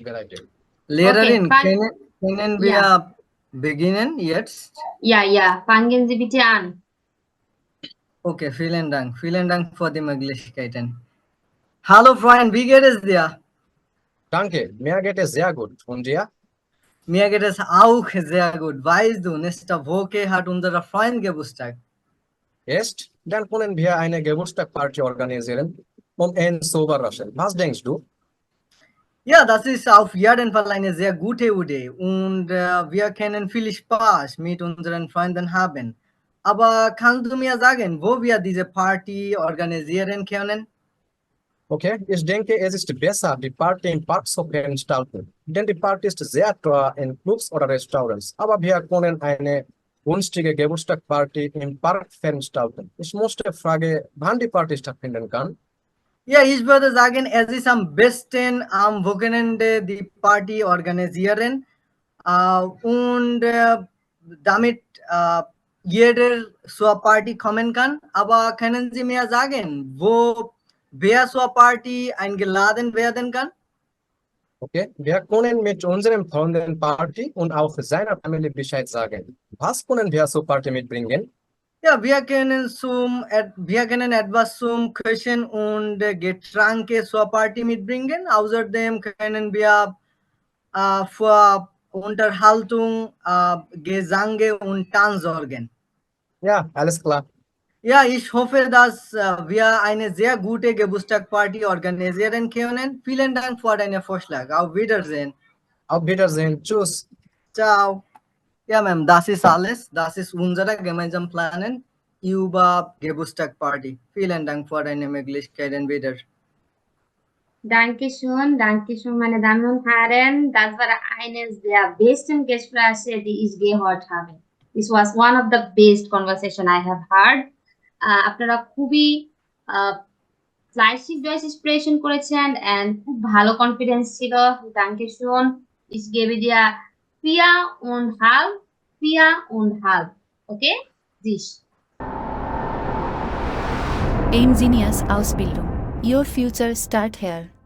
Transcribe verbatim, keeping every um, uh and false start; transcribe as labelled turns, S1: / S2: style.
S1: variety.
S2: Lehrerin,
S3: Okay, fine.
S2: können, können wir
S3: Ja.
S2: beginnen jetzt?
S3: Ja, ja, fangen Sie bitte an.
S2: Okay, vielen Dank. Vielen Dank für die Möglichkeiten. Hallo Freund, wie geht es dir?
S1: Danke, mir geht es sehr gut. Und dir?
S2: Mir geht es auch sehr gut. Weißt du, nächste Woche hat unser Freund Geburtstag.
S1: Jetzt, dann können wir eine Geburtstagsparty organisieren, um ihn zu überraschen. Was denkst du?
S2: Ja, das ist auf jeden Fall eine sehr gute Idee und äh, wir können viel Spaß mit unseren Freunden haben. Aber kannst du mir sagen, wo wir diese Party organisieren können?
S1: Okay, ich denke, es ist besser, die Party im Park zu veranstalten. Denn die Party ist sehr teuer in Clubs oder Restaurants. Aber wir können eine günstige Geburtstagsparty im Park veranstalten. Ich musste fragen, wann die Party stattfinden kann.
S2: Ja, ich würde sagen, es ist am besten am Wochenende die Party organisieren äh, und äh, damit äh, jeder zur Party kommen kann. Aber können Sie mir sagen, wo wer zur Party eingeladen werden kann?
S1: Okay, wir können mit unserem Freunden Party und auch seiner Familie Bescheid sagen. Was können wir zur Party mitbringen?
S2: Ja, wir können, zum, et- wir können etwas zum Küchen und äh, Getränke zur Party mitbringen. Außerdem können wir äh, für Unterhaltung, äh, Gesange und Tanz sorgen.
S1: Ja, alles klar.
S2: Ja, ich hoffe, dass äh, wir eine sehr gute Geburtstagsparty organisieren können. Vielen Dank für deinen Vorschlag. Auf Wiedersehen.
S1: Auf Wiedersehen. Tschüss.
S2: Ciao. Ja, Ma'am, das ist alles. Das ist unsere gemeinsame Planen über Geburtstagsparty. Vielen Dank für deine Möglichkeiten wieder.
S3: Dankeschön, Dankeschön, meine Damen und Herren. Das war eines der besten Gespräche, die ich gehört habe. This was one of the best conversation I have heard. Uh, আপনারা খুবই ফ্লাইশিক ডয়েস expression করেছেন and খুব ভালো confidence ছিল। Dankeschön. Ich gebe dir vier und halb, vier und halb. Okay? Dich.
S4: Aimgenius Ausbildung. Your future start here.